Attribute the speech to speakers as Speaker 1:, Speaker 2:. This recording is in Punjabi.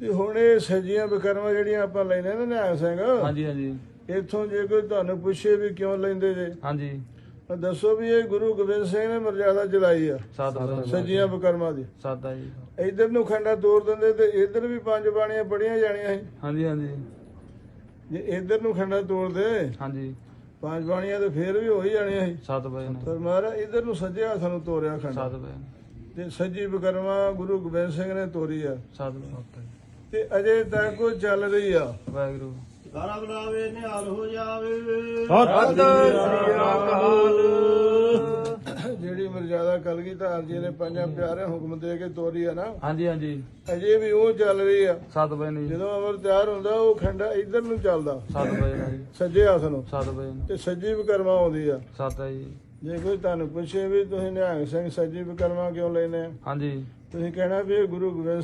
Speaker 1: ਤੇ ਹੁਣ ਇਹ ਸੱਜੀਆਂ ਵਿਕਰਮਾਂ ਜਿਹੜੀਆਂ ਆਪਾਂ ਲੈਨੇ ਨਾ ਨਿਹੰਗ ਸਿੰਘ,
Speaker 2: ਹਾਂਜੀ ਹਾਂਜੀ
Speaker 1: ਇੱਥੋਂ ਜੇ ਕੋਈ ਤੁਹਾਨੂੰ ਪੁੱਛੇ ਵੀ ਕਿਉਂ ਲੈਂਦੇ ਜੇ,
Speaker 2: ਹਾਂਜੀ
Speaker 1: ਤਾਂ ਦੱਸੋ ਵੀ ਇਹ ਗੁਰੂ ਗੋਬਿੰਦ ਸਿੰਘ ਨੇ ਮਰਜ਼ਾਦਾ ਚਲਾਈ ਆ
Speaker 2: ਸੱਤ ਵਜੇ
Speaker 1: ਸੱਜੀਆਂ ਵਿਕਰਮਾਂ ਦੀ।
Speaker 2: ਸੱਤ ਆ ਜੀ।
Speaker 1: ਇੱਧਰ ਨੂੰ ਖੰਡਾ ਤੋੜ ਦਿੰਦੇ ਤੇ ਇੱਧਰ ਵੀ 5 ਬਾਣੀਆਂ ਪੜੀਆਂ ਜਾਣੀਆਂ ਸੀ।
Speaker 2: ਹਾਂਜੀ ਹਾਂਜੀ
Speaker 1: ਜੇ ਇੱਧਰ ਨੂੰ ਖੰਡਾ ਤੋੜਦੇ
Speaker 2: ਹਾਂਜੀ
Speaker 1: 5 ਬਾਣੀਆਂ ਤੇ ਫੇਰ ਵੀ ਹੋ ਹੀ ਜਾਣੀਆਂ ਸੀ।
Speaker 2: 7 ਵਜੇ ਨਾਲ
Speaker 1: ਪਰ ਮਹਾਰਾਜ ਇੱਧਰ ਨੂੰ ਸੱਜੇ ਹੱਥ ਨੂੰ ਤੋੜਿਆ ਖੰਡਾ
Speaker 2: 7 ਵਜੇ
Speaker 1: ਤੇ ਸੱਜੀ ਵਿਕਰਮਾ ਗੁਰੂ ਗੋਬਿੰਦ ਸਿੰਘ ਨੇ ਤੋਰੀ ਆ
Speaker 2: 7 ਵਜੇ
Speaker 1: ਤੇ ਅਜੇ ਤੱਕ ਉਹ ਚੱਲ ਰਹੀ ਆ।
Speaker 2: ਵਾਹਿਗੁਰੂ
Speaker 3: ਸਾਰਾ ਬੁਲਾਵੇ ਨਿਹਾਲ ਹੋ ਜਾਵੇ।
Speaker 1: ਜਿਹੜੀ ਮਰਜ਼ਾਦਾ ਕਲਗੀਧਰ ਜੀ ਨੇ ਪੰਜਾਂ ਪਿਆਰੇ ਹੁਕਮ ਦੇ ਕੇ ਤੋਰੀ ਆ ਨਾ,
Speaker 2: ਹਾਂਜੀ ਹਾਂਜੀ
Speaker 1: ਅਜੇ ਵੀ ਉਹ ਚੱਲ ਰਹੀ ਆ।
Speaker 2: 7 ਵਜੇ ਨਹੀਂ
Speaker 1: ਜਦੋਂ ਅਮਰ ਤਿਆਰ ਹੁੰਦਾ ਉਹ ਖੰਡਾ ਇੱਧਰ ਨੂੰ ਚੱਲਦਾ
Speaker 2: 7 ਵਜੇ ਨਾਲ ਜੀ।
Speaker 1: ਸੱਜੇ ਹੱਥ ਨੂੰ
Speaker 2: 7 ਵਜੇ
Speaker 1: ਤੇ ਸੱਜੀ ਵਿਕਰਮਾ ਆਉਂਦੀ ਆ।
Speaker 2: 7 ਹੈ ਜੀ।
Speaker 1: ਜੇ ਕੋਈ ਤੁਹਾਨੂੰ ਪੁੱਛੇ ਵੀ ਤੁਸੀਂ ਨਿਹੰਗ ਸਿੰਘ ਸੱਜੀ ਵਿਕਰਮਾ ਕਿਉਂ ਲੈਨੇ ਆ,
Speaker 2: ਹਾਂਜੀ
Speaker 1: ਤੁਸੀਂ ਕਹਿਣਾ ਵੀ ਇਹ ਗੁਰੂ ਗੋਬਿੰਦ